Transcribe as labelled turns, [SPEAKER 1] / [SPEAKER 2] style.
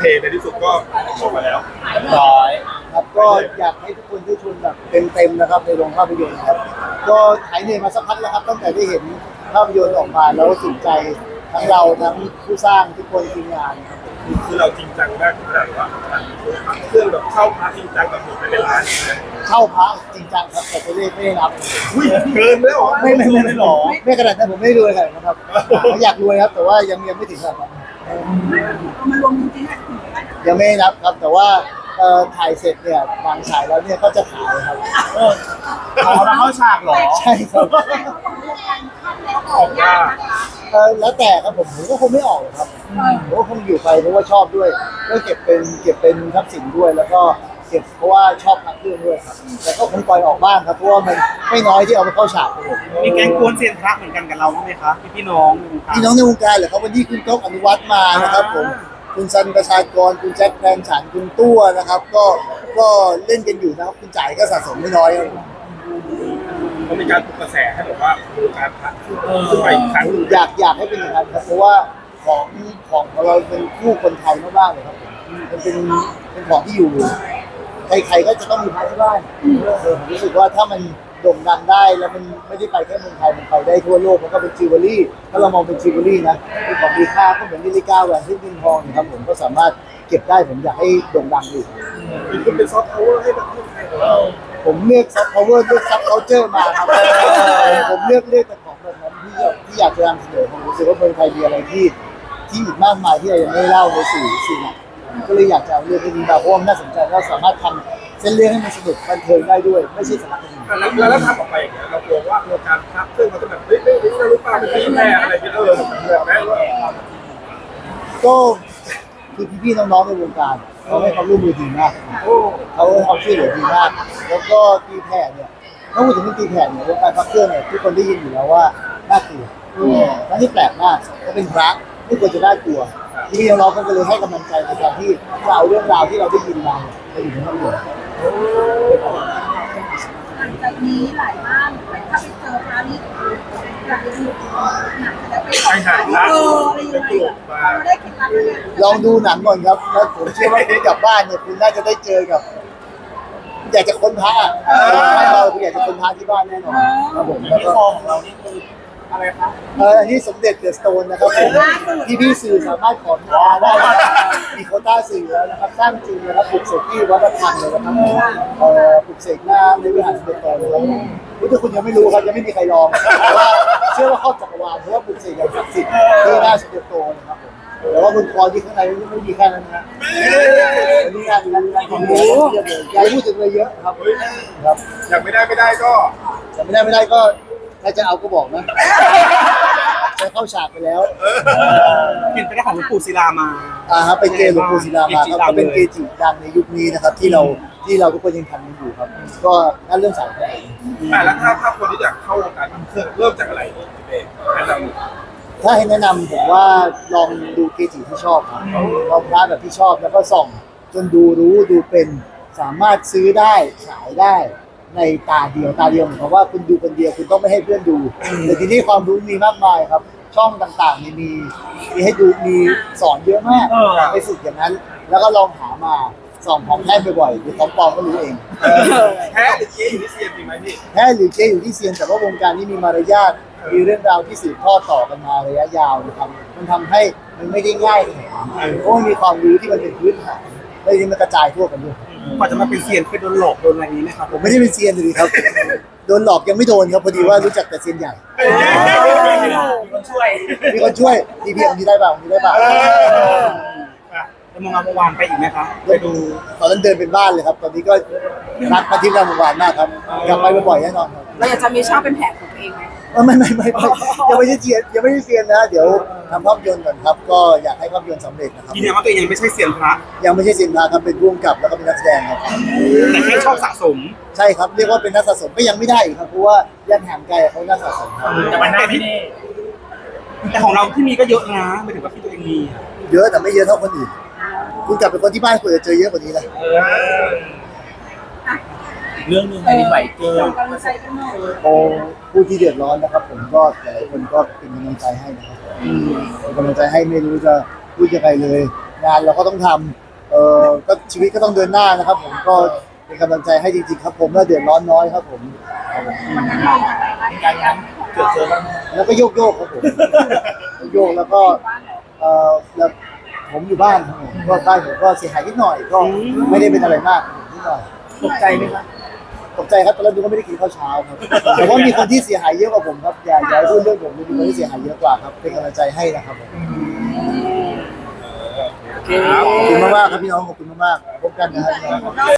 [SPEAKER 1] ในที่สุดก็ออกมาแล้ว
[SPEAKER 2] ร้อยครับก็อยากให้ทุกคนได้ชมแบบเต็มๆนะครับในโรงภาพยนตร์ครับก็หายเหนื่อยมาสักพักแล้วครับตั้งแต่ได้เห็นภาพยนตร์ออกมาแล้วสนใจทั้งเราทั้งผู้สร้างทุกคนทีมงานครับ
[SPEAKER 1] คือเราจริงจังมากขนาดว่าเครื่องแบบเข้าพาจริงจังกับผมเป็นล้าน
[SPEAKER 2] เข้าพระจริงจังครับแต่ตัวเลขไม่ได้นับ
[SPEAKER 1] เกินแล้วหรอ
[SPEAKER 2] ไม่หรอไม่ขนาดนั้นผมไม่รวยขนาดนั้นครับอยากรวยครับแต่ว่ายังไม่ถึงขนาดนั้น
[SPEAKER 3] มันรวมจริงๆ
[SPEAKER 2] ยังไม่นับครับแต่ว่าถ่ายเสร็จเนี่ยวางฉายแล้วเนี่ยก็จะขายครับ
[SPEAKER 4] เอามาเข้าฉากเหรอ
[SPEAKER 2] ใช่ครับ
[SPEAKER 1] ออกมา
[SPEAKER 2] แล้วแต่ครับผมก็คงไม่ออกครับผมก็คงอยู่ไปเพราะว่าชอบด้วยก็เก็บเป็นทรัพย์สินด้วยแล้วก็เก็บเพราะว่าชอบพระเครื่องด้วยครับแต่ก็คงปล่อยออกบ้างครับเพราะว่ามันไม่น้อยที่เอาไปเข้าฉากครับผม
[SPEAKER 4] มีแก๊งกวนเซียนพระเหมือนกันกับเราใช่ไหมคะพี่น้อง
[SPEAKER 2] ในวงการเหรอครับวันนี้คุณก๊อฟอนุวัฒน์มานะครับผมคุณซันประชากรคุณแจ็คแฟนฉันคุณตัวนะครับก็เล่นกันอยู่นะครับคุณจ่ายก็สะสมไม่น้อยครับ
[SPEAKER 1] มันมีการปลุกกระแสให้แบบว่าการพักขึ้นไปอีกครั้ง
[SPEAKER 2] อยากให้เป็นอย่างนั้นครับเพราะว่าของเราเป็นคู่คนไทยมากๆเลยครับมันเป็นของที่อยู่ใครๆก็จะต้องมีพระที่บ้านผมรู้สึกว่าถ้ามันโด่งดังได้แล้วมันไม่ได้ไปแค่เมืองไทยมันไปได้ทั่วโลกมันก็เป็นจิวเวลรี่ถ้าเรามองเป็นจิวเวลรี่นะเป็นของมีค่าก็เหมือนนาฬิกาแหวนเพชรนินทองนะครับผมก็สามารถเก็บได้ผมอยากให้โด่งดังอยู่
[SPEAKER 1] คุณเป็นซอฟต์พาวเวอร์ให้แบบคนไทยของเรา
[SPEAKER 2] ผมเลือกซอฟต์พาวเวอร์เลือกซับเคาน์เตอร์มาครับผมเลือกแต่ของแบบนั้นที่อยากจะนำเสนอผมรู้สึกว่าเมืองไทยมีอะไรที่อีกมากมายที่เรายังไม่เล่าในสื่อก็เลยอยากจะเอาเรื่องนี้มาเพราะว่าน่าสนใจเราสามารถทำเส้นเรื่องให้มันสนุกบันเทิงได้ด้วยไม่ใช่สาระคดี
[SPEAKER 1] แล้วทำออกไปอย่างเงี้ยเรากลัวว่าการพักเครื่องเขาจะแบบไม่รู้ป่ะเป็นที่แม่อะไรกันแบบแม่
[SPEAKER 2] ก็คือพี่ๆน้องๆในวงการเขาให้ความร่วมมือดีมากเขาให้ความช่วยเหลือดีมากแล้วก็ตีแผ่เนี่ยถ้าพูดถึงเรื่องตีแผ่เนี่ยวงการพักเครื่องเนี่ยทุกคนได้ยินอยู่แล้วว่าน่ากลัวนั่นที่แปลกมากเขาเป็นพระไม่ควรจะน่ากลัวพี่น้องๆก็เลยให้กำลังใจในการที่จะเอาเรื่องราวที่เราได้ยินมาไปอยู่ในภาพยนตร์
[SPEAKER 3] หลังจากนี้หลายบ้านถ้าไปเจอพระนี่อยากจะดูหนังจะไป
[SPEAKER 1] หาอะไร
[SPEAKER 3] ยังไงเราได้เคล็ดลับเลย
[SPEAKER 2] ลองดูหนังก่อนครับแล้วผมเชื่อว่าคุณกลับบ้านเนี่ยคุณน่าจะได้เจอกับอยากจะค้นพระเราคุณอยากจะค้นพระที่บ้านแน่นอนครับผมแล้วก็ของเรานี่คืออะไรครับอันนี้สมเด็จเดอะสโตนนะครับผมพี่สื่อสามารถขอได้มีโควต้าสื่อแล้วนะครับสร้างจริงนะครับปลุกเสกที่วัดระฆังเลยนะครับปลุกเสกหน้าในวิหารสมเด็จโตเลยครับถ้าคุณยังไม่รู้ครับยังไม่มีใครลองแต่ว่าเชื่อว่าครอบจักรวาลเพราะว่าปลุกเสกอย่างศักดิ์สิทธิ์ที่หน้าสมเด็จโตนะครับผมแต่ว่าบนคอที่ข้างในไม่มีแค่นั้นนะนี่งานของหมูใหญ่พูดถึงเลยเยอะครับ
[SPEAKER 1] อยากไม่ได้ก็
[SPEAKER 2] อยากไม่ได้ก็ถ้าจะเอาก็บอกนะจะเข้าฉากไปแล้ว
[SPEAKER 4] เห็นไปได้ของหลวงปู่ศิลามา
[SPEAKER 2] ครับเป็นเกจิหลวงปู่ศิลามาครับก็เป็นเกจิดังในยุคนี้นะครับที่เราทุกคนยังทำกันอยู่ครับก็นั่นเรื่องสาย
[SPEAKER 1] แล้วถ้าคนที่อยากเข้าวงการเครื่องเริ่มจากอะไร
[SPEAKER 2] ถ้าให้แนะนำผมว่าลองดูเกจิที่ชอบครับลองพระแบบที่ชอบแล้วก็ส่องจนดูเป็นสามารถซื้อได้ขายได้ในตาเดียวเหมือนกับว่าคุณดูคนเดียวคุณต้องไม่ให้เพื่อนดูแต่ทีนี้ความรู้มีมากมายครับช่องต่างๆมีให้ดูมีสอนเยอะมากไปฝึกอย่างนั้นแล้วก็ลองหามาส่องของแท้บ่อยๆหรือของปลอมก็รู้เอง
[SPEAKER 1] แท้หรือเจ๊อยู่ที่เซียนจริงไหมพี่
[SPEAKER 2] แท้หรือเจ๊อยู่ที่เซียนแต่ว่าวงการนี้มีมารยาทมีเรื่องราวที่สืบทอดต่อกันมาระยะยาวนะครับมันทำให้มันไม่ได้ง่ายเลยเพราะมีความรู้ที่มันเป็นพื้นฐานแล้วทีนี้มันกระจายทั่วกันด้วย
[SPEAKER 4] กว่าจะมาเป็นเซียนเคยโดนหลอกโดนอะไรนี้ไหมครับ
[SPEAKER 2] ผมไม่ได้เป็นเซียนเลยครับโดนหลอกยังไม่โดนครับพอดีว่ารู้จักแต่เซียนใหญ่
[SPEAKER 4] มีคนช่วย
[SPEAKER 2] พี่องค์นี้ได้ป่ะ
[SPEAKER 4] จะมองงานเมื่อวานไปอีกไหมครับไปดู
[SPEAKER 2] ตอนนั้นเดินเป็นบ้านเลยครับตอนนี้ก็รักมาที่งานเมื่อวานมากครับกลับไปบ่อยๆแน่นอนครับ
[SPEAKER 3] เราอยากจะมีช่องเป็นแผงของตัวเองไหม
[SPEAKER 2] ไม่ยังไม่ใช่เซียนนะเดี๋ยวทำภาพยนตร์ก่อนครับก็อยากให้ภาพยนตร์สำเร็จนะครับ
[SPEAKER 4] ยืนยันว่าตัวเองยังไม่ใช่เซียนพระ
[SPEAKER 2] ยังไม่ใช่เซียนพระครับเป็นผู้กำกับแล้วก็เป็นนักแสดงครับ
[SPEAKER 4] แต่แค่ชอบสะสม
[SPEAKER 2] ใช่ครับเรียกว่าเป็นนักสะสมก็ยังไม่ได้ครับเพราะว่ายังห่างไกลเขานักสะสมครับ
[SPEAKER 4] แต่มันได้ไม่แน่แต่ของเราที่มีก็เยอะนะไม่ถึงกับที่ตัวเองมี
[SPEAKER 2] เยอะแต่ไม่เยอะเท่าคนอื่นคุณกลับไปคนที่บ้านคุณจะเจอเยอะกว่านี้เลย
[SPEAKER 4] เรื่องนึงแผ่นดินไหวเกิน
[SPEAKER 2] โอ้ผู้ที่เดือดร้อนนะครับผมก็หลายคนก็เป็นกำลังใจให้นะครับเป็นกำลังใจให้ไม่รู้จะพูดยังไงเลย งานเราก็ต้องทำก็ชีวิตก็ต้องเดินหน้านะครับ ผมก็เป็นกำลังใจให้จริงๆครับผมและเดือดร้อนน้อยครับผม
[SPEAKER 1] การงานเกิดเจอบ้าง
[SPEAKER 2] แล้วก็โยกครับผมโยกแล้วก็แล้วผมอยู่บ้านครับผมก็บ้านผมก็เสียหายนิดหน่อยก็ไม่ได้เป็นอะไรมากนิดหน่อย
[SPEAKER 1] ตกใจไหมครับ
[SPEAKER 2] ตกใจครับตอนแรกดูก็ไม่ได้กินข้าวเช้าครับแต่ว่ามีคนที่เสียหายเยอะกว่าผมครับอย่าให้พูดเรื่องผมมีคนที่เสียหายเยอะกว่าครับเป็นกำลังใจให้นะครับผมขอบคุณมากๆครับพี่น้องขอบคุณมากๆพบกันนะครับ